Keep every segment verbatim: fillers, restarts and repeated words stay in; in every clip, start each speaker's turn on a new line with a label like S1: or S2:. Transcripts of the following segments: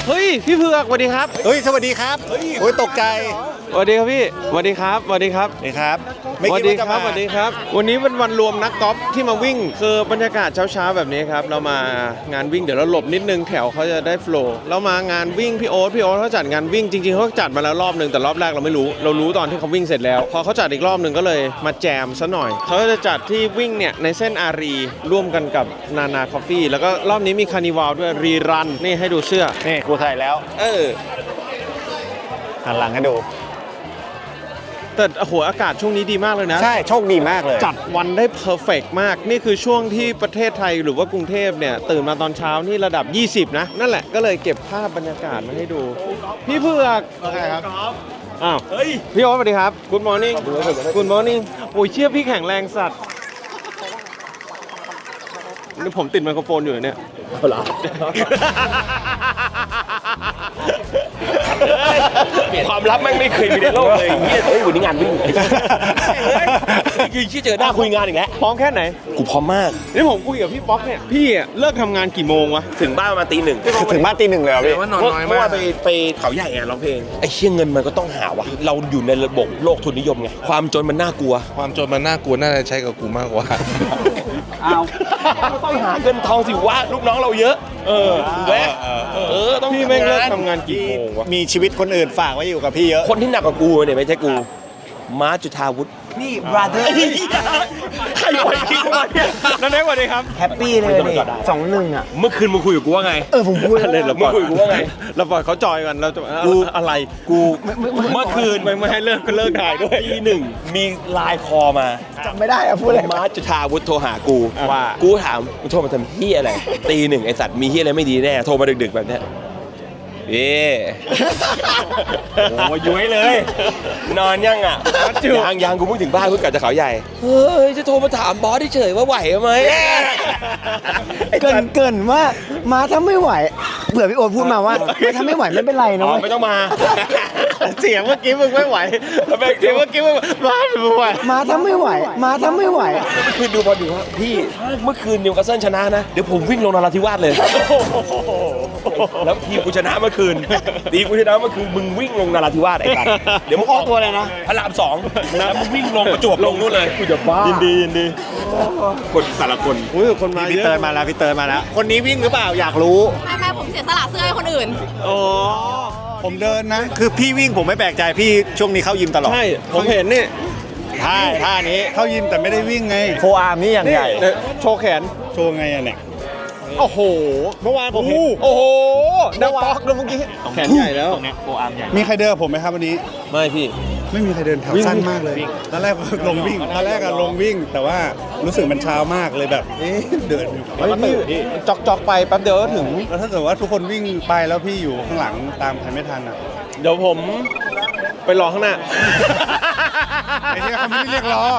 S1: เฮ้ยพี่เผือกสวัสดีครับ
S2: เฮ้ยสวัสดีครับโอ้ยตกใจ
S1: สวัสดีครับพี่สวัสดีครับสวัสดีครับ
S2: สวัสดีครับ
S1: สวัสดีครับสวัสดีครับวันนี้เป็นวันรวมนักกอล์ฟที่มาวิ่งคือบรรยากาศเช้าๆแบบนี้ครับเรามางานวิ่งเดี๋ยวเราหลบนิดนึงแถวเขาจะได้โฟล์เรามางานวิ่งพี่โอ๊ตพี่โอ๊ตเขาจัดงานวิ่งจริงๆเขาจัดมาแล้วรอบนึงแต่รอบแรกเราไม่รู้เรารู้ตอนที่เขาวิ่งเสร็จแล้วพอเขาจัดอีกรอบนึงก็เลยมาแจมซะหน่อยเขาจะจัดที่วิ่งเนี่ยในเส้นอารีร่วมกันกับนานาคอฟฟี่แล้วก็รอบนี้มีคาร์นิวัลด้วยรีรันนี่ให้ดูเสื้อ
S2: นี่กูถ่ายแล้ว
S1: เออ
S2: หันหลังให้ดู
S1: แต่โอ้โหอากาศช่วงนี้ดีมากเลยนะ
S2: ใช่โชคดีมากเลย
S1: จัดวันได้เพอร์เฟกต์มากนี่คือช่วงที่ประเทศไทยหรือว่ากรุงเทพเนี่ยตื่นมาตอนเช้านี่ระดับยี่สิบนะนั่นแหละก็เลยเก็บภาพบรรยากาศมาให้ดูพี่เผือก
S2: ใช่ครับ
S1: อ้าวพี่โอ๊ตสวัสดีครับ Good morning Good morning โอ้ยเชื่อพี่แข็งแรงสัตว์นี่ผมติดไมโครโฟนอยู่เนี่ย
S2: เหรอ
S3: ความลับแม่งไม่เคยมีในโลกเลยเฮียเฮ้ยวันนี้งานวิ่งเฮ้ยคือที่เจอหน้าคุยงานอีกแล้ว
S1: พร้อมแค่ไหน
S3: กูพร้อมมาก
S1: นี่ผมคุยกับพี่ป๊อกเนี่ยพี่เลิกทำงานกี่โมงวะ
S3: ถึงบ้านประมาณตีหนึ่ง
S2: ถึงบ้านตีหนึ่งเลยเหรอพี่
S3: เมื่อวานไปไปเขาใหญ่อะร้องเพลงไอ้เชี่ยเงินมันก็ต้องหาวะเราอยู่ในระบบโลกทุนนิยมไงความจนมันน่ากลัว
S4: ความจนมันน่ากลัวน่าจะใช้กับกูมากกว่า
S3: เอาต้องหาเงินทองสิวะลูกน้องเราเยอะเออแวะเออต้อง
S1: พี่แม่งเลิกทำงานกี่โมงวะ
S2: มีชีวิตคนอื่นฝากไว้อยู่กับพี่เยอะ
S3: คนที่หนักกว่ากูเนี่ยไม่ใช่กูม้าจุฑาวุฒิ
S5: นี่ brother
S3: ใครปล่อยพี่มาเนี่ย
S1: นั่นเองสวัสดีครับ
S5: แฮปปี้เลยนี่สองหนึ่งอ่ะ
S3: เมื่อคืนมึงคุยกับกูว่าไง
S5: เออผมพูด
S1: เลยเราคุยกับกูว่าไงเราปล่อยเขาจอยกันเราจะอะไร
S3: กูเมื่อคืน
S1: ไม่ให้เลิกก็เลิกถ่ายด้วย
S3: ตีหนึ่งมีไลน์คอมา
S5: จำไม่ได้อะพูดอะไร
S3: ม้าจุฑาวุฒิโทรหากูว่ากูถามมึงโทรมาทำเฮียอะไรตีหนึ่งไอสัตว์มีเฮียอะไรไม่ดีแน่โทรมาดึกๆแบบเนี้ยเอ๊โอ้ยย้วยเลยนอนยังอ่ะยังยังกูเพิ่งถึงบ้านเพิ่งกลับจากเขาใหญ่เฮ้ยจะโทรมาถามบอสเฉยว่าไหวไหม
S5: เกินเกินว่ามาถ้าไม่ไหวเผื่อพี่โอ๊ตพูดมาว่าถ้าไม่ไหวไม่เป็นไรนะ
S3: ไม่ต้องมา
S1: เสียงเมื่อกี้มึงไม่ไหวเสียงเมื่อกี้มึงมาไม่ไหว
S5: มาถ้าไม่ไหวมาถ้าไม่ไหว
S3: คือดูบอลดูว่าพี่เมื่อคืนนิวคาสเซิลชนะนะเดี๋ยวผมวิ่งลงนราธิวาสเลยแล้วทีมกูชนะเมื่อคืนทีมกูชนะเมื่อคืนมึงวิ่งลงนราธิวาสไอ้กันเดี๋ยวมึงออกตัวเลยนะพระรามสองแล้วมึงวิ่งลงประจวบลงนู่นเลย
S1: กูจะบ้ายินดียินดี
S3: คนสารคน
S1: อุ้ยคนมา
S2: พี่เติร์นมาแล้วพี่เติร์นมาแล้วคนนี้วิ่งหรือเปล่าอยากรู้
S6: ไม่ไม่ผมเสียสละเสื้อให้คนอื่น
S1: อ๋อ
S2: ผมเดินนะคือพี่วิ่งผมไม่แปลกใจพี่ช่วงนี้เข้ายิมตลอด
S1: ใช่ผมเห็นนี่
S2: ท่าท่านี้เข้ายิมแต่ไม่ได้วิ่งไง
S5: โฟอาร์มนี่อย่างใหญ่
S1: โชว์แขน
S2: โชว์ไงอะเนี่ย
S1: โอ้โหเมื่อวานผมเห็นโอ้โหดังป๊อกเลยเมื่อกี้แขนใหญ่แล้ว
S2: โฟอาร์มใหญ่มีใครเดินผมไหมครับวันนี้
S1: ไม่พี่
S2: ไม่มีใครเดินแถวสั้นมากเลยตอนแรกลงวิ่งตอนแรกอะลงวิ่งแต่ว่ารู้สึกมันเช้ามากเลยแบบเอ๊ะเดิน
S1: เฮ้ยพี่จอกจอกไปแป๊บเดียวก็ถึง
S2: แล้วถ้าเกิดว่าทุกคนวิ่งไปแล้วพี่อยู่ข้างหลังตามใครไม่ทันอะ
S1: เดี๋ยวผมไปรอข้างหน้า
S2: ไอ้ที่เขาไม่ได้เรียกรอ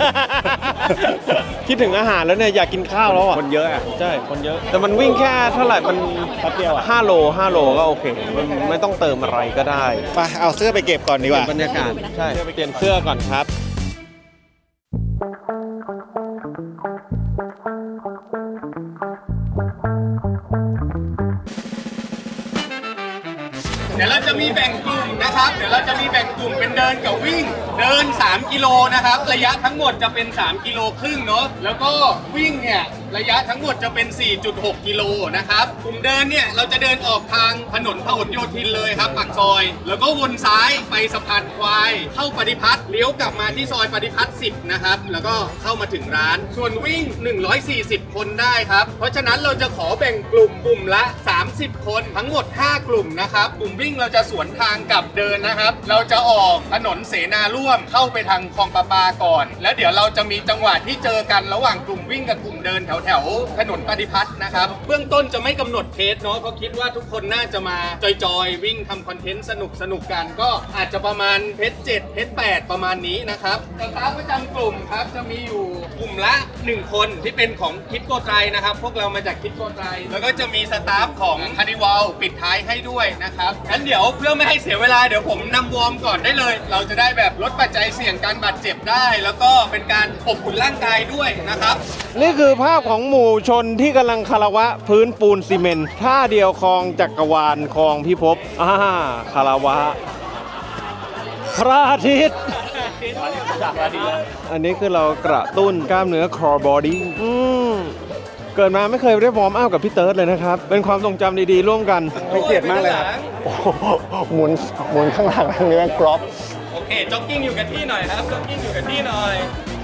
S1: คิดถึงอาหารแล้วเนี่ยอยากกินข้าวแล้วอ่ะ
S2: คนเยอะอ่ะ
S1: ใช่คนเยอะแต่มันวิ่งแค่เท่าไหร่มัน
S2: แป๊บเดียวอ่ะ
S1: ห้าโลห้าโลก็โอเคมันไม่ต้องเติมอะไรก็ได้
S2: ไปเอาเสื้อไปเก็บก่อนดีกว่า
S1: บรรยากาศใช่ไปเปลี่ยนเสื้อก่อนครับ
S7: เดี๋ยวเราจะมีแบ่งกลุ่มนะครับเดี๋ยวเราจะมีแบ่งกลุ่มเป็นเดินกับวิ่งเดินสามกิโลนะครับระยะทั้งหมดจะเป็นสามกิโลครึ่งเนาะแล้วก็วิ่งเนี่ยระยะทั้งหมดจะเป็น สี่จุดหก กิโลนะครับกลุ่มเดินเนี่ยเราจะเดินออกทางถนนพหลโยธินเลยครับปากซอยแล้วก็วนซ้ายไปสะพานควายเข้าปฏิพัฒน์เลี้ยวกลับมาที่ซอยปฏิพัฒน์สิบนะครับแล้วก็เข้ามาถึงร้านส่วนวิ่งหนึ่งร้อยสี่สิบคนได้ครับเพราะฉะนั้นเราจะขอแบ่งกลุ่มกลุ่มละสามสิบคนทั้งหมดห้ากลุ่มนะครับกลุ่มวิ่งเราจะสวนทางกับเดินนะครับเราจะออกถนนเสนาร่วมเข้าไปทางคลองประปาก่อนแล้วเดี๋ยวเราจะมีจังหวะที่เจอกันระหว่างกลุ่มวิ่งกับกลุ่มเดินแถวแถวถนนปฏิพัฒน์นะครับเบื้องต้นจะไม่กำหนดเพจเนาะเพราะคิดว่าทุกคนน่าจะมาจอยๆวิ่งทำคอนเทนต์สนุกสนุกกันก็อาจจะประมาณเพจเจ็ดเพจแปดประมาณนี้นะครับสตาฟประจำกลุ่มครับจะมีอยู่กลุ่มละหนึ่งคนที่เป็นของคิดโกไตรนะครับพวกเรามาจากคิดโกไตรแล้วก็จะมีสตาฟของคานิวัลปิดท้ายให้ด้วยนะครับงั้นเดี๋ยวเพื่อไม่ให้เสียเวลาเดี๋ยวผมนำวอร์มก่อนได้เลย เราจะได้แบบลดปัจจัยเสี่ยงการบาดเจ็บได้ แล้วก็เป็นการอบอุ่นร่างกายด้วยนะครับ
S1: นี่คือภาพของหมู่ชนที่กำลังคารวะพื้นปูนซีเมนต์ท่าเดียวคลองจักรวาลคลองพิภพอ่าคารวะพระอาทิตย์อันนี้คือเรากระตุ้นกล้ามเนื้อ core body อืมเกิดมาไม่เคยได้วอร์มอัพกับพี่เติร์ดเลยนะครับ เป็นความทรงจำดีๆร่วมกัน
S2: ไม่เกลียดมากเลยครับ
S5: หมุนหมุนข้างหลังเนื้อกรอบ
S7: โอเคจ็อกกิ้งอยู่กับที่หน่อยครับจ็อกกิ้งอยู่กับที่หน่อย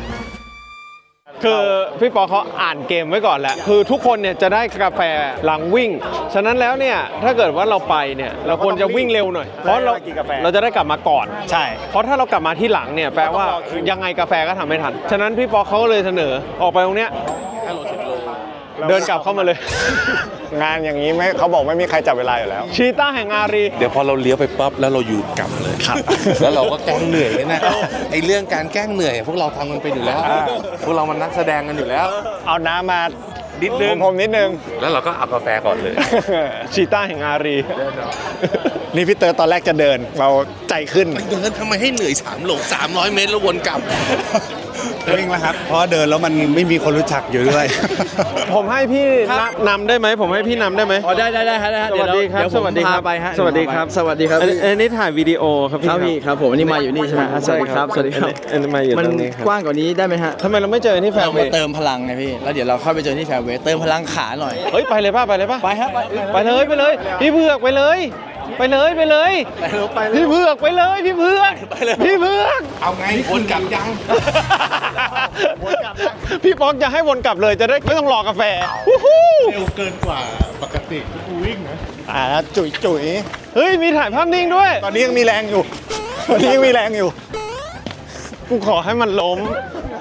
S1: คือพี่ปอเขาอ่านเกมไว้ก่อนแหละคือทุกคนเนี่ยจะได้กาแฟหลังวิ่ง ฉะนั้นแล้วเนี่ยถ้าเกิดว่าเราไปเนี่ยเราควรจะวิ่งเร็วหน่อย เพราะเราเราจะได้กลับมาก่อน
S5: ใช่
S1: เพราะถ้าเรากลับมาที่หลังเนี่ยแปลว่ายังไงกาแฟก็ทำไม่ทัน ฉะนั้นพี่ปอเขาก็เลยเสนอออกไปตรงเนี้ยเดินกลับเข้ามาเลย
S5: งานอย่างนี้ไม่เขาบอกไม่มีใครจับเวลาอยู่แล้ว
S1: ชีต้าแห่งอารี
S4: เดี๋ยวพอเราเลี้ยวไปปั๊บแล้วเราหยุดกลับเลยครับ แล้วเราก็แกล้งเหนื่อยเนี่ยนะไอเรื่องการแกล้งเหนื่อย พวกเราทำกันไปอยู่แล้ว พวกเรามันนักแสดงกันอยู่แล้ว
S5: เอาน้ำมา
S4: นิดนึง
S5: ผมนิดนึง
S4: แล้วเราก็เอากาแฟก่อนเลย
S1: ชีต้าแห่งอารี
S5: นี่พี่เตอร์ตอนแรกจะเดิน เราใจขึ้น
S4: เดินทำไมให้เหนื่อยสามโลสามร้อยเมตรแล้ววนกลับ
S2: วิ่งแล้วครับ เพราะเดินแล้วมันไม่มีคนรู้จักอยู่ด้วย
S1: ผมให้พี่นำนำได้ไหมผมให้พี่นำได้ไหม
S8: อ๋อได้ได้ได้ฮะได้ฮะ
S1: สวัสดีครับ
S8: เดี๋ยว
S1: ส
S8: ผม
S1: วัสดีครับ
S8: พาไปฮะ
S1: สวัสดีครับ
S8: สวัสดีครับ
S1: อันนี้อันนี้ถ่ายวิดีโอครับพี่
S8: ครับพี่ครับผมอันนี้มาอยู่นี่ใช่ไหมฮะสวัสดีครับสวัสดีครับ
S1: อันนี้มาอยู่
S8: มัน
S1: ตรงนี้ครับ
S8: กว้างกว่านี้ได้ไหมฮะ
S1: ทำไมเราไม่เจอที่แฟ
S8: เรา
S1: ร์เว
S8: มา
S1: ย์
S8: เติมพลังไงพี่แล้วเดี๋ยวเราเข้าไปเจอที่แฟร์เวย์เติมพลังขาหน่อย
S1: เฮ้ยไปเลยป่ะไปเลยป่ะ
S8: ไปฮะไป
S1: ไปเลยไปเลย พี่เผือกไปเลย ไปเลยไปเลย
S8: ไปเลยไปเลย
S1: พี่เผือกไปเลยพี่เผือกพี่เผือก
S4: เอาไงวนกลับยัง
S1: พี่ป๊อกจะให้วนกลับเลยจะได้ไม่ต้องรอกาแฟ
S2: เร็วเกินกว่าปกติที่กูวิ่งนะ
S5: อ่าจุ๋ยจุ๋ย
S1: เฮ้ยมีถ่ายภาพนิ่งด้วย
S5: ตอนนี้ยังมีแรงอยู่ ตอนนี้ยังมีแรงอยู่
S1: กูขอให้มันล้ม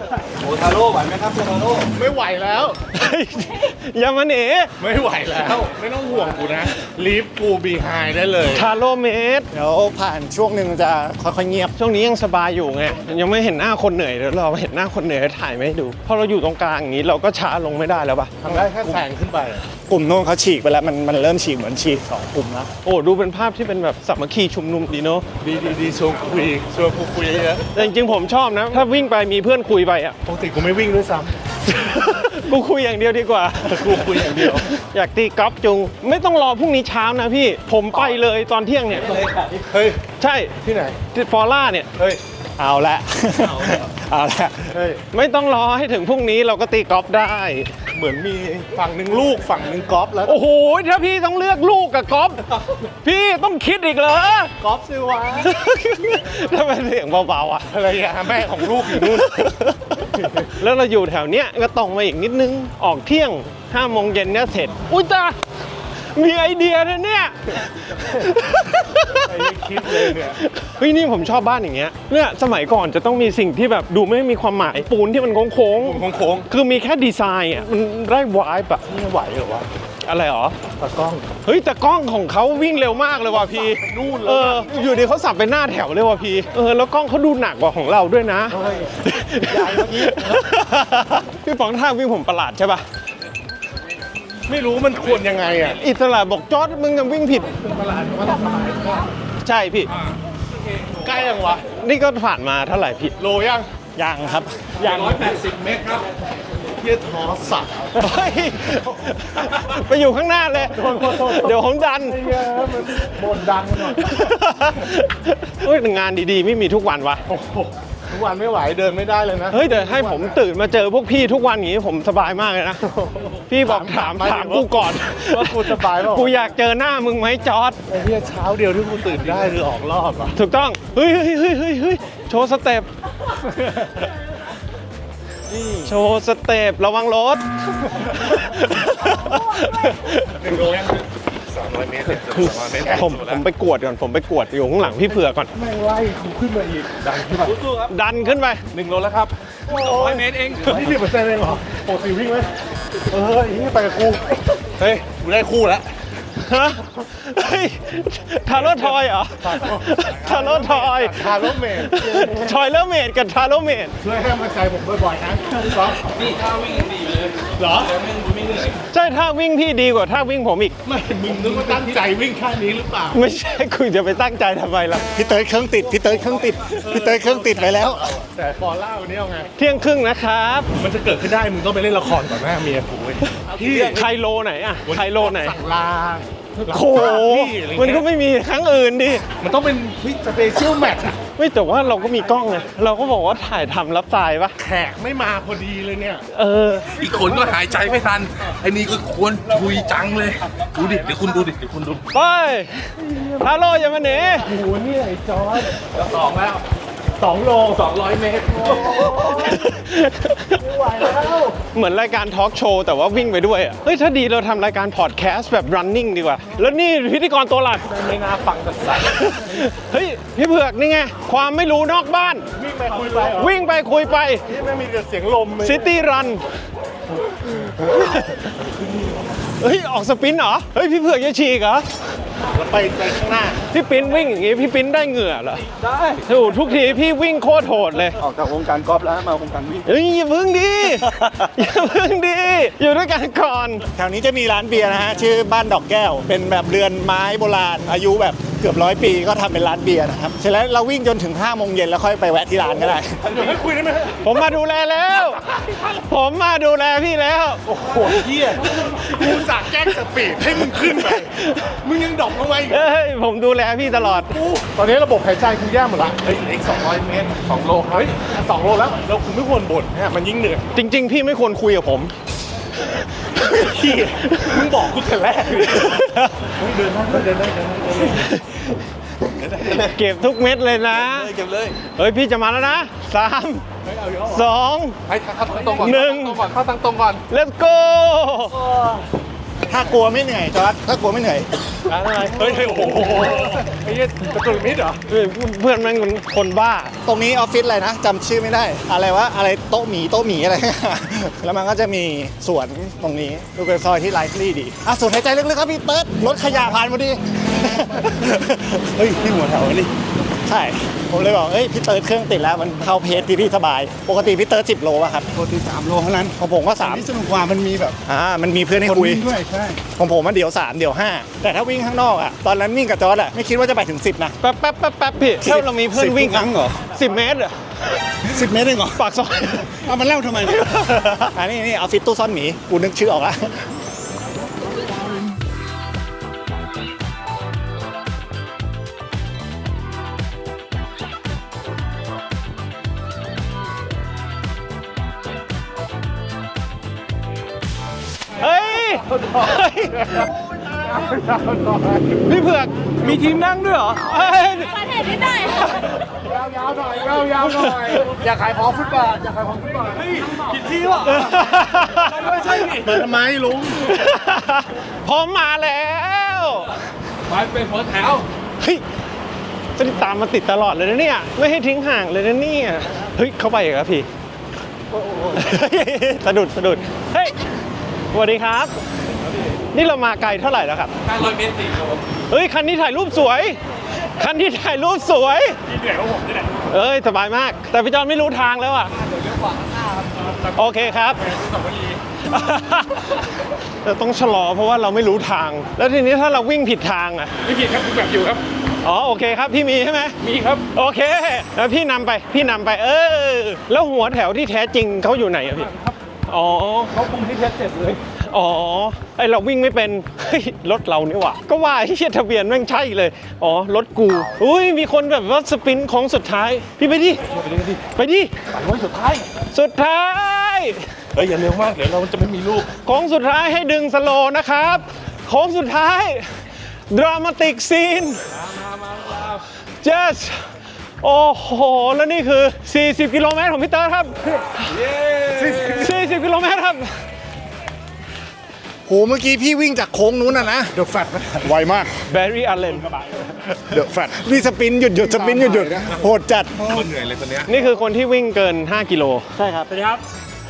S2: ไม่ไหวแล้ว
S1: เฮ้ยอย่ามาหนี
S2: ไม่ไหวแล้ว ไม่ต้องห่วงกูนะ ลีฟกูบีไฮได้เลย
S1: ทาโร่เมตร
S5: เดี๋ยวผ่านช่วงหนึ่งจะค่อยๆเงียบ
S1: ช่วงนี้ยังสบายอยู่ไงยังไม่เห็นหน้าคนเหนื่อยเดี๋ยวเราเห็นหน้าคนเหนื่อยถ่ายไม่ให้ดูพอเราอยู่ตรงกลางอย่างนี้เราก็ช้าลงไม่ได้แล้วป่ะ
S2: ทำได้แค่แซงขึ้นไป
S5: กลุ่มโน้นเขาฉีกไปแล้ว มันมันเริ่มฉีกเหมือนฉีกสองกลุ่มแล้ว
S1: โอ้ดูเป็นภาพที่เป็นแบบสามัคคีชุมนุมดีเนาะ
S2: ดีดีดีชวนคุยชวนกูคุยเยอะ
S1: แต่จริงๆผมชอบนะ ถ้าวิ่งไปมีเพื่อนคุยไปอ่ะ
S2: ปกติกูไม่วิ่งด้วยซ้
S1: กูคุยอย่างเดียวดีกว่า
S2: ำกูคุยอย่างเดียว
S1: อยากตีกอล์ฟจุง ไม่ต้องรอพรุ่งนี้เช้านะพี่ ผมไปเลยตอนเที่ยงเนี่ย
S2: เฮ้ย
S1: ใช่
S2: ที่ไหน
S1: ที่ฟอร่าเนี่ย
S2: เฮ้ย
S5: เอาละ เอาละ
S2: เฮ้ย
S1: ไม่ต้องรอให้ถึงพรุ่งนี้เราก็ตีกอล์ฟได้
S2: เหมือนมีฝั่งหนึ่งลูกฝั่งหนึ่งกอล์ฟแล้ว
S1: โอ้โห ถ้าพี่ต้องเลือกลูกกับกอล์ฟพี่ต้องคิดอีกเหรอ
S2: กอล์ฟซื้อวะ
S1: ทำไมเสียงเบาๆอ่ะ
S2: ภรรยาแม่ของลูกอยู่นู่น
S1: แล้วเราอยู่แถวเนี้ยก็ตรงมาอีกนิดนึง ออกเที่ยงห้าโมงเย็นเนี่ยเสร็จ อุ้ยตามีไอเดียนะเนี่ย
S2: ไอ้นี่คิดเลยเนี่ย
S1: เฮ้ยนี่ผมชอบบ้านอย่างเงี้ย เนี่ยสมัยก่อนจะต้องมีสิ่งที่แบบดูไม่มีความหมายปูนที่มันโค้ง
S2: โค้ง
S1: ๆคือมีแค่ดีไซน์อ่ะ มันได้วายแบบ
S2: ๆไม่ไหวเหรอวะ
S1: อะไรหรอ
S2: ตากล้อง
S1: เฮ้ยแต่กล้องของเขาวิ่งเร็วมากเลยว่ะพี่
S2: นู่นเลย
S1: เออ อยู่ดีเขาสับไปหน้าแถวเลยว่ะพี่ เออ แล้วกล้องเขาดูหนักกว่าของเราด้วยนะ
S2: ใหญ่เมื่อกี้
S1: พี่ป๋องท่าวิ่งผมประหลาดใช่ปะ
S2: ไม่รู้มันควรยังไงอ่ะ
S1: อิสระบอกจอร์ดมึงยังวิ่งผิด
S2: ประหลาดว่าเราสบายก็
S1: ใช่พี่
S2: ใกล้ยังวะ
S1: นี่ก็ผ่านมาเท่าไหร่พี่
S2: โลยัง
S5: ยังครับ
S1: ยัง
S2: ร้อยแปดสิบเมตรครับเที่ยท้อสัตว์
S1: เฮ้ยไปอยู่ข้างหน้าเลย เดี๋ยวผมดัน
S2: บนดังหน่อย
S1: เฮ้ยงานดีๆ ไม่มีทุกวันวะ
S2: โอ้โหทุกวันไม่ไหวเดินไม่ได้เลยนะ
S1: เฮ้ยเดี๋ยวให้ผมตื่นมาเจอพวกพี่ทุกวันอย่างนี้ผมสบายมากเลยนะ พี่บอกถามถามกูก่อน
S2: ว่ากูสบายเปล่า
S1: กูอยากเจอหน้ามึงไหมจอร์ด
S2: ไอ้เที่ยเช้าเดียวที่กูตื่นได้คือออกรอบอ่ะ
S1: ถูกต้อง เฮ้ยเฮ้ยเฮ้ยเฮ้ยเฮ้ยโชว์สเต็ป โชว์สเต็ประวังรถ
S2: หนึ่งโลยังสามร้อยเมตรเนี่ย
S1: คือ
S2: สามร้อยเมตร
S1: ผมผมไปกวดก่อน ผมไปกวดอยู่ข้างหลังพี่เผือกก่อน
S2: แม่งไล่กูขึ้นมาอีกดังขึ้นมา
S1: ดันขึ้นไป
S2: หนึ่งโลแล้วครับร้อยเมตรเองนี่สิบเปอร์เซ็นต์เองเหรอปกติวิ่งไหมเออไอ้นี่ไปกับกูเฮ้ยกูได้คู่แล้ว
S1: ฮะเฮ้ยทาโร่ทอยเหรอทาโร่ทอยทาโร่เมดทอยเลอร์เมดกับทาโร่เมดช่วยให้มาใจผมบ่อยๆนะพี่ก๊อฟนี่ท่าวิ่งดีเลยเหรอใช่ท่าวิ่งพี่ดีกว่าท่าวิ่งผมอีกไม่มึงนึกว่าตั้งใจวิ่งท่านี้หรือเปล่าไม่ใช่คุณจะไปตั้งใจทำไมล่ะ
S2: พี่เติร์ดเครื่องติดพี่เติร์ดเครื่องติดพี่เติร์ดเครื่องติดไปแล้ว
S1: แต่ฟอล่าวันนี้เอาไงเที่ยงครึ่งนะครับมันจะเกิดขึ้นได้มึงต้องไปเล่นละครก่อนหน้าเมียกูเว้ยพี่ไคโลไหนอะไคโลไหนสั่งลาโอ้โหมันก็ไม่มีครั้งอื่นดิมันต้องเป็นสเปเชียลแมทอะไม่แต่ว่าเราก็มีกล้องไงเราก็บอกว่าถ่ายทำรับสายปะแขกไม่มาพอดีเลยเนี่ยเออ
S4: อีกคนก็หายใจไม่ทันไอ้นี่ก็ควรคุยจังเลยดูดิเดี๋ยวคุณดูดิเดี๋ยวคุณดู
S1: ไปฮาโลอย่ามาหนีโอ้โหนี่ไอ้จอร์ดสองแล้วสองโลสองร้อยเมตรไม่ไหวแล้วเหมือนรายการทอล์กโชว์แต่ว่าวิ่งไปด้วยอ่ะเฮ้ยถ้าดีเราทำรายการพอดแคสต์แบบ running ดีกว่า แล้วนี่พิธีกรตัวหลักไม่น่าฟังกันสักเฮ้ยพี่เผือกนี่ไงความไม่รู้นอกบ้านวิ่งไปคุยไปวิ่งไปคุยไปนี่ไม่มีแต่เสียงลมซิตี้รันเฮ้ยออกสปรินต์เหรอเฮ้ยพี่เผือกจะฉีกเหรอแล้วไปไปข้างหน้าพี่ปิ้นวิ่งอย่างงี้พี่ปิ้นได้เหงื่อเหรอได้ถูกทุกทีพี่วิ่งโคตรโหดเลยออกจากวงการกอล์ฟแล้วมาวงการวิ่งเฮ้ยอย่าพึ่งดิอย่าพึ่งดิอยู่ด้วยกันก่อนแถวนี้จะมีร้านเบียร์นะฮะชื่อบ้านดอกแก้วเป็นแบบเรือนไม้โบราณอายุแบบเกือบร้อยปีก็ทำเป็นร้านเบียร์นะครับเสร็จแล้วเราวิ่งจนถึงห้าโมงเย็นแล้วค่อยไปแวะที่ร้านก็ได้เดี๋ยวให้คุยได้ไหมผมมาดูแลแล้วผมมาดูแลพี่แล้วโอ้โหเหี้ยกูสั่งแกล้งสปีดให้มึงขึ้นไปมึงยังดรอปลงไปเฮ้ยผมดูแลพี่ตลอดตอนนี้ระบบหายใจกูแย่หมดละเฮ้ยอีกสองร้อยเมตรสองโลเฮ้ยสองโลแล้วเราคุณไม่ควรบ่นเนี่ยมันยิ่งเหนื่อยจริงๆพี่ไม่ควรคุยกับผมพี่มึงบอกกูแต่แรกเลยเดินได้เดินได้เดินได้เก็บทุกเม็ดเลยนะเก็บเลยเฮ้ยพี่จะมาแล้วนะสามสองให้เข้าตั้งตรงก่อนหนึ่งเข้าตั้งตรงก่อน let's go ถ้ากลัวไม่เหนื่อยจอร์จถ้ากลัวไม่เหนื่อยอะไรเฮ้ยโอ้โหไอ้เหี้ยกระตุกมิดเหรอเพื่อนมันคนบ้าตรงนี้ออฟฟิศอะไรนะจำชื่อไม่ได้อะไรวะอะไรโต๊ะหมีโต๊ะหมีอะไรแล้วมันก็จะมีสวนตรงนี้ดูเป็นซอยที่ไลฟ์ลี่ดีอ่ะสูดหายใจลึกๆครับพี่เติร์ดรถขยะผ่านพอดีเฮ้ยพี่หัวแถวนี่ใช่ผมเลยบอกเอ้ยพี่เติร์ดเครื่องติดแล้วมันเข้าเพจที่พี่สบายปกติพี่เติร์ดสิบโลป่ะครับปกติสามโลเท่านั้นของผมก็สามนี่สนุกกว่ามันมีแบบอ่ามันมีเพื่อนให้คุยด้วยใช่ของผมมันเดี๋ยวสามเดี๋ยวห้าแต่ถ้าวิ่งข้างนอกอ่ะตอนนั้นวิ่งกับจอร์ดอ่ะไม่คิดว่าจะไปถึงสิบนะแป๊บแป๊บแป๊บแป๊บพี่ถ้าเรามีเพื่อนวิ่งครั้งเหรอสิบเมตรอ่ะสิบเมตรเองเหรอปากซอยเอามันเล่าทำไมอันนี้นี่ออฟฟิศตู้ซ่อนหมีกูนึกชื่อออกละเฮ้ยพี่เผือกมีทีมนั่งด้วยเหรอเฮ้ย
S6: ประเทศนิดหน่อย
S1: ยาวๆหน่อยยาวๆหน่อยอยากขายของฟุตบาทอยากขายของฟุตบาทเฮ้ยผิดที่ว่ะไม่ใช่ดิมาทำไมลุงพร้อมมาแล้วไปเป็นหัวแถวเฮ้ยจะตามมาติดตลอดเลยนะเนี่ยไม่ให้ทิ้งห่างเลยนะเนี่ยเฮ้ยเข้าไปอีกแล้วพี่สะดุดสะดุดเฮ้ยสวัสดีครับนี่เรามาไกลเท่าไหร่แล้วครับห้าร้อยเมตรสี่โลเฮ้ยคันนี้ถ่ายรูปสวยคันที่ถ่ายรูปสวยพี่เหนื่อยกว่าผมนี่แหละเอ้ยสบายมากแต่พี่จอนไม่รู้ทางแล้วอ่ะเดี๋ยวเลี้ยวขวาข้างหน้าครับโอเคครับเราต้องชะลอเพราะว่าเราไม่รู้ทางแล้วทีนี้ถ้าเราวิ่งผิดทางอ่ะไม่ผิดครับคุณแบบอยู่ครับอ๋อโอเคครับพี่มีใช่ไหมมีครับโอเคแล้วพี่นำไปพี่นำไปเออแล้วหัวแถวที่แท้จริงเขาอยู่ไหนอะพี่อ๋อเขาคุมที่แท้เจ็ดเลยอ๋อไอเราวิ่งไม่เป็นเฮ้ยรถเรานี่หว่าก็ว่าไอ้เหี้ยทะเบียนแม่งใช่เลยอ๋อรถกูอุ้ยมีคนแบบว่าสปรินต์ของสุดท้ายพี่ไปดิไปดิปั่นไว้สุดท้ายสุดท้ายเฮ้ยอย่าเร็วมากเดี๋ยวเราจะไม่มีลูกของสุดท้ายให้ดึงสโลว์นะครับของสุดท้ายดรามาติกซีนเจสโอ้โหแล้วนี่คือสี่สิบกิโลเมตรของพี่เตอร์ครับสี่สิบกิโลเมตรครับโหเมื่อกี้พี่วิ่งจากโค้งนู้นนะนะเดอะแฟตไวมากแบร์รี่อาร์เลนเดอะแฟตนี่สปินหยุดหยุดสปินหยุดหยุดโหดจัดเหนื่อยเลยคนนี้นี่คือคนที่วิ่งเกินห้ากิโลใช่ครับสวัสดีครับ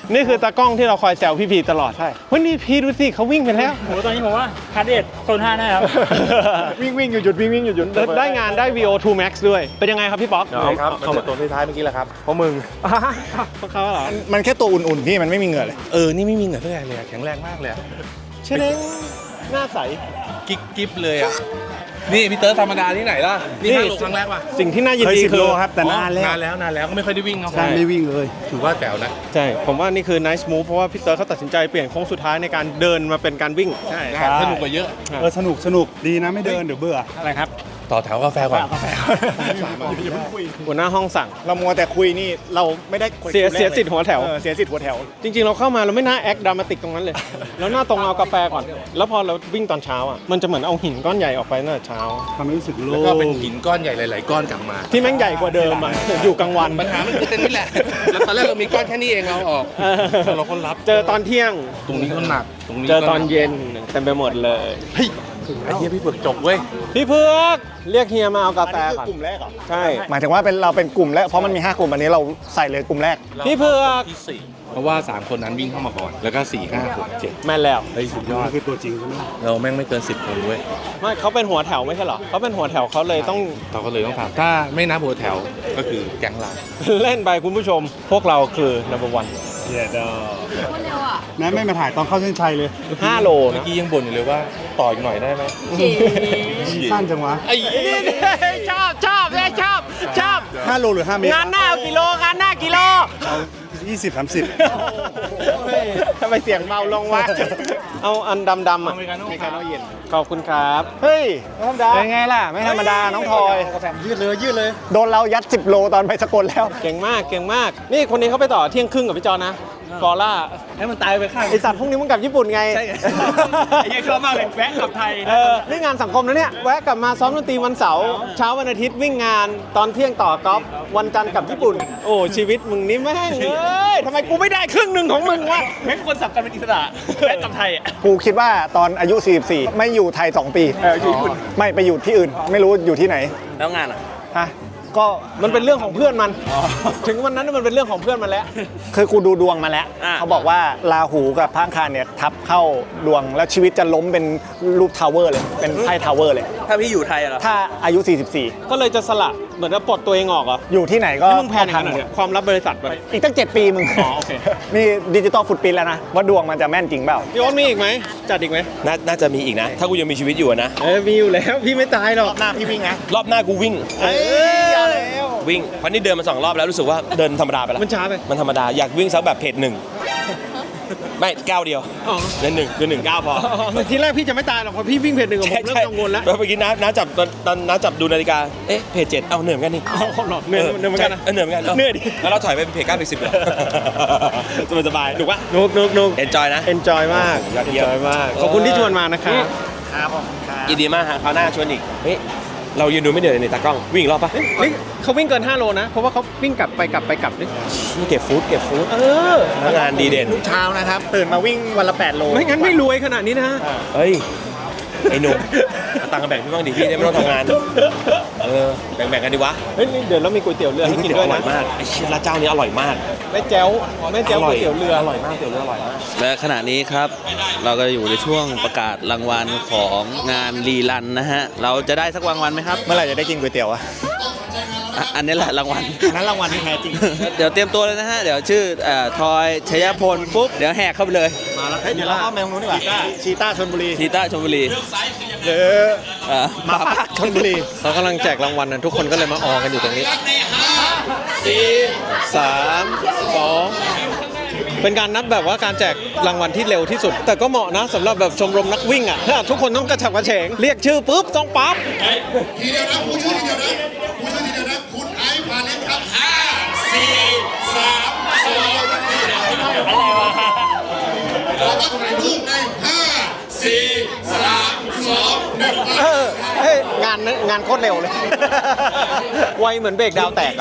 S1: นี่คือตากล้องที่เราคอยแซวพี่พีตลอดใช่วันนี้พี่ดูสิเขาวิ่งไปแล้ว
S9: โหตอนนี้ผมว่าคาร์ดเดตโซนห้าแน่ครับ
S1: วิ่งวิ่งหยุดหยุดวิ่งวิ่งหยุดหยุดได้งานได้ วี โอ ทู Max ด้วยเป็นยังไงครับพี่ป๊อก
S2: ครับเข้ามาตัวท้ายเมื่อกี้แหละครับเพราะมึง
S1: พวกเขาเหรอ
S2: มันแค่ตัวอุ่นๆพี่มันไม่มีเหงื่อเลย
S4: เออ นี่ไม่มีเหงื่อเท่าไหร่เลยอะแข็งแรงมากเลยอะ
S1: เชเล้งหน้าใส
S4: กิ๊กกิ๊บเลยอ่ะ นี่พี่เติร์ดธรรมดาที่ไหนล่ะ นี่ห้าโลครั้งแรกป่ะ
S1: สิ่งที่น่ายิน
S2: เคย
S1: ดี
S2: สิบ
S1: คื
S2: โล
S1: อ
S2: ครับแต่นานแล้ว
S4: นานแล้วนานแล้วก็ไม่ค่อยได้วิ่งเนาะ
S2: ใช่ไม่วิ่งเลย
S4: ถือว่าแจ๋วนะ
S1: ใช่ ผมว่านี่คือ nice move เพราะว่าพี่เตอร์เขาตัดสินใจเปลี่ยนโค้งสุดท้ายในการเดินมาเป็นการวิ่ง
S4: ใช่สนุกกว่าเยอะ
S2: เออสนุกสนุกดีนะไม่เดินเดี๋ยวเบื่ออะไรครับ
S4: ต่อแถวกาแฟก่อน
S1: หัวหน้าห้องสั่ง
S2: เรามัวแต่คุยนี่เราไม่ได้คุย
S1: เสีย
S2: แรก
S1: เสียสิทธิ์หัวแถว
S2: เออเสียสิทธิ์หัวแถว
S1: จริงๆ เราเข้ามาเราไม่น่าแอคดรามาติกตรงนั้นเลย แล้วหน้าตรงเอากาแฟก่อน แล้วพอเราวิ่งตอนเช้าอ่ะ มันจะเหมือนเอาหินก้อนใหญ่ออกไปตั้งแต่เช้า
S2: ทำให้รู้สึกโล่
S4: แล้ว
S2: ง
S4: ก็เป็นหินก้อนใหญ่หลาย ๆ ก้อนกลับมา
S1: ที่แม่งใหญ่กว่าเดิมอ่ะ อยู่กลางวัน
S4: ปัญหามันคือเต็นนี่แหละ แล้วตอนแรกเรามีก้อนแค่นี้เองเราออก
S1: เออ
S4: เราก็รับ
S1: เจอตอนเที่ยง
S4: ตรงนี้ก็หนัก ตรงนี้
S1: เจ
S4: ก็
S1: อตอนเย็นเต็มไปหมดเลย
S4: ไอ้เหี้ยพี่เผือกจบเว้ย
S1: พี่เพือกเรียกเฮียมาเอากาแฟ
S2: อันนี้
S1: ก่อน
S2: คือกลุ่มแรกเหรอ
S1: ใช่
S2: หมายถึงว่าเป็นเราเป็นกลุ่มแรกเพราะมันมีห้ากลุ่มอันนี้เราใส่เลยกลุ่มแรก
S1: พี่เพือก
S4: ที่สี่เพราะว่าสามคนนั้นวิ่งเข้ามาก่อน แล้วก็สี่ห้าหกเจ็ด
S1: แม่นแล้ว
S4: เฮ้ยสุดยอด
S2: คือตัวจริงใช่ไหม
S4: เราแม่งไม่เกินสิบคนเว้ย
S1: ไม่เขาเป็นหัวแถวไม่ใช่เหรอเขาเป็นหัวแถวเขาเลยต้อง
S4: เราก็เลยต้องถามถ้าไม่นับหัวแถวก็คือแก๊งเรา
S1: เล่นไปคุณผู้ชม พวกเราคือ number one
S2: เย้ดอ
S6: คนเร็วอ่ะ
S2: นั่นไม่มาถ่ายตอนเข้าเส้นชัยเลย
S1: ห้าโล
S4: เมื่อ
S1: นะ
S4: กี้ยังบ่นอยู่เลยว่าต่ออีกหน่อยได้ไหม
S2: สั้นจังวะ
S1: ไอ้ชอบชอบเลยชอบชอบ
S2: ห้าโลหรือห้าเมตรง
S1: านหน้าเอากิโลงานหน้ากิโล
S2: ยี่สิบสามสิบ
S1: ทำไมเสียงเบาลงวะ เอาอันดำๆอ่ะ
S2: อเมริกาโน่เย็น
S1: ขอบคุณครับ เฮ้ยธรรมดา
S2: เป็นไงล่ะ ไม่ธรรมดา น้องทอย
S1: ยืดเลยยืดเลย
S2: โดนเรายัดสิบโลตอนไปสกลแล้ว
S1: เก่งมากเก่งมาก นี่คนนี้เขาไปต่อเที่ยงครึ่งกับพี่จอนะฟอร่า
S9: ให้มันตายไปข้าง
S1: ไอสัตว์พวกนี้มึงกลับญี่ปุ่นไง
S9: ใช่ไง ไอ้เหี้ยชอบมากเลยแวะกลับไทย
S1: เออนี่งานสังคมนะเนี่ย แวะกลับมาซ้อมดนตรีวันเสาร์เช้าวันอาทิตย์วิ่งงานตอนเที่ยงต่อกอล์ฟวันจันทร์กลับญี่ปุ่น โอ้ชีวิตมึงนี่แม่งเอ้ยทำไมกูไม่ได้ครึ่งหนึ่งของมึงวะ
S9: แม่งควรสับกันเป็นอิสระแวะกลับไทยอ่ะ
S2: กูคิดว่าตอนอายุ สี่สิบสี่ ไม่อยู่ไทย สอง ปีเอออยู่ญี่ปุ่นไม่ไปอยู่ที่อื่น ไม่รู้อยู่ที่ไหน
S9: แล้วงานอ่ะ
S2: ฮะ ก็
S1: มันเป็นเรื่องของเพื่อนมัน ถึงวันนั้นมันเป็นเรื่องของเพื่อนมันแล้ว
S2: คือกูดูดวงมาแล้ว
S9: อ่า
S2: เขาบอกว่าราหูกับพระอังคารเนี่ยทับเข้าดวงแล้วชีวิตจะล้มเป็นรูปทาวเวอร์เลย เป็นไพ่ทาวเวอร์เลย
S9: ถ้าพี่อยู่ไทยอะเหรอ
S2: ถ้าอายุ สี่สิบสี่
S1: ก็เลยจะสละเหมือนจะปลดตัวเองออกเหรอ
S2: อยู่ที่ไหนก็
S1: นี่มึงแพลนข
S2: ทั
S1: นาด
S2: หม
S1: เนี้
S2: ด
S1: ยความลับบริษัทไป
S2: อีกตั้ง เจ็ด ปีมึง
S1: อ๋อโอเค
S2: นี่ดิจิตอลฟุตปรินท์แล้วนะ ว่าดวงมันจะแม่นจริงเปล่า
S1: พี่โอ๊ตมีอีกไหมจัดอีกไหม
S3: น่าน่าจะมีอีกนะ ถ้ากูยังมีชีวิตอยู่อะนะ
S1: เออมีอยู่แล้วพี่ไม่ตายหรอก
S2: หน้าพี่วิ่งนะ
S3: รอบหน้ากูวิ่ง
S1: เอ้ยเอาแล้ว
S3: วิ่งเพราะนี่เดินมาสองรอบแล้วรู้สึกว่าเดินธรรมดาไปแล้ว
S1: มันช้าไป
S3: มันธรรมดาอยากวิ่งสักแบบเพจหนึ่งไม่ก้าวเดียว
S1: อ๋อ
S3: เดินหนึ่งคือหนึ่งก้าวพอ
S1: ทีแรกพี่จะไม่ตายหรอกพอพี่วิ่งเพจหนึ่งอะผมเริ่มกังวลแล้ว
S3: เมื่อกี้น้าน้าจับตอนตอนน้าจับดูนาฬิกา เอ๊ะเพจเจ็ดเอาเหนื่อยเหมือนกันนี่
S1: เอาหรอเหนื่อยเหนื่อยเหมือนกันนะ
S3: ใช่เออเหนื่อยเหมือนกัน
S1: เหนื่อยดิ
S3: แล้วเราถอยไปเป็นเพจเก้าเพจสิบเลยสบายสบายถูกปะ
S1: นุกนุกนุก
S3: เอนจอยนะ
S1: enjoy มาก
S3: ยอดเยี่ยม
S1: enjoy มาก ขอบคุณที่ชวนมานะครับ
S2: ครับผมครับ
S3: ยินดีมากฮะคราวหน้าชวนอีกเฮ้ยเรายืนดูไม่เหนื่อยเลยในตากล้องวิ่งอีกรอบปะ
S1: นี่เขาวิ่งเกินห้าโลนะ เพราะว่าเขาวิ่งกลับไปกลับไปกลับนี่
S3: นี่เก็บฟู้ดเก็บฟู้ด
S1: เออ
S3: พนักงานดีเด่น
S2: เช้านะครับ ตื่นมาวิ่งวันละ แปด โล
S1: ไม่งั้นไม่รวยขนาดนี้นะ
S3: เฮ้ย ไอ้หนุ่มเอาตังค์มาแบ่งพี่บ้างดิพี่ได้ไม่ต้องทำงาน เออ แบ่งๆกันดีวะ
S1: เฮ้ยนี่เดี๋ยวเรามีก๋วยเตี๋ยวเรือให้กิน
S3: เตี๋ยว
S1: ด้วย
S3: อร่อย
S1: นะ
S3: มาก ไอ้เชี่ยร้านเจ้านี้อร่อยมาก
S1: แม่แจ้วแม่แจ้วก๋วยเตี๋ยวเรือ
S3: อร่อยมากเตี๋ยวเรืออร่อยมาก
S8: และขณะนี้ครับ เราก็อยู่ในช่วงประกาศรางวัลของงานรีรันนะฮะ เราจะได้สักรางวัลไหมครับ
S2: เมื่อไหร่จะได้กินก๋วยเตี๋ยวอะ
S8: อ่ะอันนี้แหละรางวัล
S2: นั้นรางวัลที่แท้จริง
S8: เดี๋ยวเตรียมตัวเลยนะฮะ เดี๋ยวชื่อเอ่อทอยชยพลปุ๊บ เดี๋ยวแหกเข้าไปเลย
S2: มาแล้วเดี๋ยวเราเข้าไปตรงนู้นดีกว่าชีต้าชลบุรี
S8: ทีต้าชลบุรี
S2: หรือ
S8: เอ่อ
S2: หมาป่าชลบุรี
S1: เรากำลังแจกรางวัลนะทุกคนก็เลยมาออกันอยู่ตรงนี้สี่สามสองเป็นการนับแบบว่าการแจกรางวัลที่เร็วที่สุด แต่ก็เหมาะนะสำหรับแบบชมรมนักวิ่งอ่ะถ้าทุกคนต้องกระฉับกระเฉง เรียกชื่อปุ๊บต้องปั๊บ
S10: ทีเดียวนะผู้ชื่อทีเดียวนะผู้ชื่อทีเดียวนะคุณไอซ์พาเล็กครับห้าสี่สามสองอะไรวะเราก็ถ่ายรูปในห้าสี่สามสองหนึ่ง
S1: เออเฮ้ยงานนั้นงานโคตรเร็วเลย ไวเหมือนเบรกดาวแตกอะ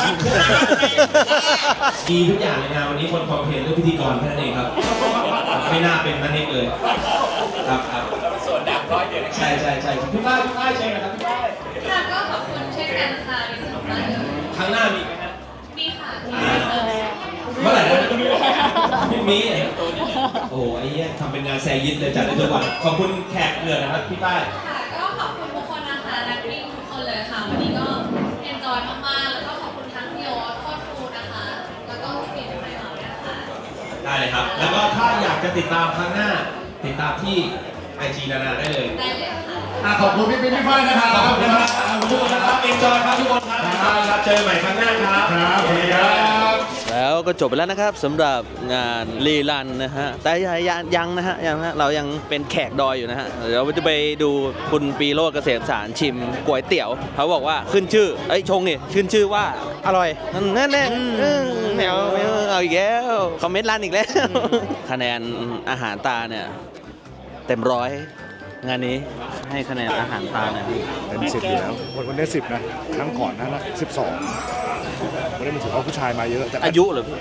S3: ดีทุกอย่างเลยนะวันนี้คนคอมเพลนเรื่องพิธีกรแค่นั้นเองครับ ไม่น่าเป็นนั่นเองเลย ครับครับส่วนดับร้อยเดียวใช่ใช่ใช่พี่ฝ้ายพี่ฝ้ายใช่ไหมครับพี่ฝ้าย
S6: ค่ะก็ขอบคุณเช่นกันค่ะมีสนุกมากเลย
S3: ครั้งหน้ามีไหมครับ
S6: มีค่ะเออ
S3: เมื่อไหร่นะพรุ่งนี้เนี่ยโอ้ไอ้เหี้ยทำเป็นงานแซยิดเลยจัดได้ทุกวันขอบคุณแขกเหลือนะครับพี่ป้าย
S6: ค่ะก็ขอบคุณทุกคนนะคะนักวิ่งทุกคนเลยค่ะ วันนี้ก็เอนจอยมากๆ แล้วก็ขอบคุณทั้งพี่โอ๊ตโค้ชครูนะคะ แล้วก็พี่ทุกคนด้วยนะคะ
S3: ได้เลยครับ แล้วก็ถ้าอยากจะติดตามครั้งหน้า ติดตามที่ไอจีนานาได้เลย
S6: ได้เลยค่ะ
S10: อ่ะขอบคุณพี่ปิ๊กพี่ฝ้ายนะครับ
S3: ขอบคุณนะครับขอบคุณทุกคนนะครับเอ็นจอยครับทุกคนครับครับเจอกันใหม่ครั้งหน้าครับ
S10: ครับสวัสดีครับ
S8: แล้วก็จบไปแล้วนะครับสำหรับงานรีรันนะฮะแต่ยังยังนะฮะยังนะเรายังเป็นแขกดอยอยู่นะฮะเดี๋ยวเราจะไปดูคุณปีโรจน์เกษมสารชิมก๋วยเตี๋ยวเขาบอกว่าขึ้นชื่อเอ้ยชงนี่ขึ้นชื่อว่าอร่อยนั่นแน่แมวแมวเอาอีกแล้วคอมเมนต์ร้านอีกแล้ว คะแนนอาหารตาเนี่ยเต็มร้อยงานนี้ให้คะแนนอาหารตาเนี่ย
S2: เต็มสิบอยู่แล้วคนคนได้สิบนะครั้งก่อนนั้นนะสิบสองวันนี้มันถือว่าผู้ชายมาเยอะแต่
S8: อายุเหรอพี่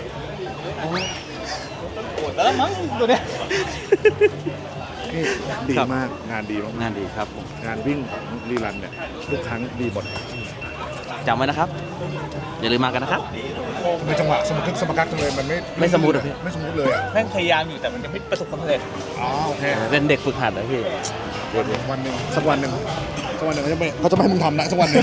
S9: แล้วมั้งตัวเนี้ย
S2: นี่ดีมากงานดีมาก
S8: งานดีครับผม
S2: งานวิ่งของรีรันเนี่ยทุกครั้งดีหมด
S8: จำไว้นะครับ อย่าลืมมากันนะครับ
S2: ในจังหวะสมทึกสมกักจังเลยมันไม่
S8: ไม่สมูทเหรอพี่
S2: ไม่สมูทเลยอ่ะ
S9: แม่งพยายามอยู่แต่มันยังไม่ประสบความสำเร็จ
S2: อ๋อโอเค
S8: เป็นเด็กฝึกหัดนะพี่
S2: เดี๋ยววันหนึ่งสักวันหนึ่งสักวันหนึ่งเขาจะไม่เขาจะไม่ให้มึงทำนะสักวันหนึ่ง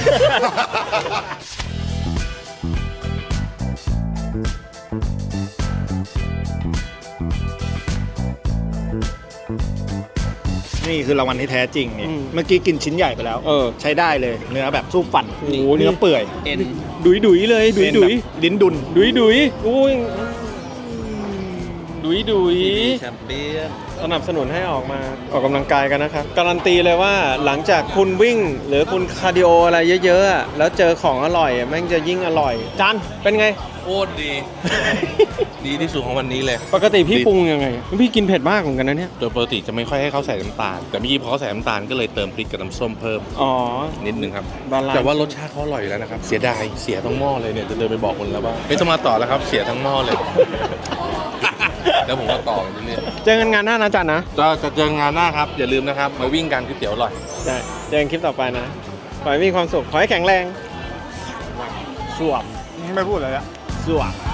S2: นี่คือรางวัลที่แท้จริงนี่เมื่อกี้กินชิ้นใหญ่ไปแล้ว
S1: เออ
S2: ใช้ได้เลยเนื้อแบบสู้ฟัน
S1: โอ้โห
S2: เนื้อเปื่อย
S8: เอ็น
S1: ดุยดุยเลยดุยดุย
S2: ลิ้นดุน
S1: ดุยดุยอุ้ยดุยดุย
S8: แชมเปี้ยน
S1: สนับสนุนให้ออกมาออกกำลังกายกันนะครับการันตีเลยว่าหลังจากคุณวิ่งหรือคุณคาร์ดิโออะไรเยอะๆอะแล้วเจอของอร่อยอะแม่งจะยิ่งอร่อยจันเป็นไง
S4: โคตรดี ดีที่สุดของวันนี้เลย
S1: ปกติพี่ปรุงยังไงพี่กินเผ็ดมากเหมือนกันนะเนี่ย
S4: โดยปกติจะไม่ค่อยให้เขาใส่น้ำตาล แต่เมื่อกี้พอเขาใส่น้ำตาลก็เลยเติมพริกกับน้ำส้มเพิ่ม
S1: อ๋อ
S4: นิดนึงครับ
S1: บาลานซ์
S4: แต่ว่ารสชาติเขาอร่อยอยู่แล้วนะครับ เสียดาย เสียทั้งหม้อเลยเนี่ย จะเดินไปบอกคนแล้วว่าไม่ต้องมาต่อแล้วครับ เสียทั้งหม้อเลย แล้วผมก็ต่อไปเรื่อย
S1: เจอกันงานหน้านะจันนะ
S4: ๆก็จะเจองานหน้าครับ อย่าลืมนะครับ มาวิ่งกันก๋วยเตี๋ยวอร่อย
S1: ได้เจอกันคลิปต่อไปนะขอให้มีความสุขขอให้แข็งแรง
S2: สวมไม่พูดเลยอะ
S1: สวบ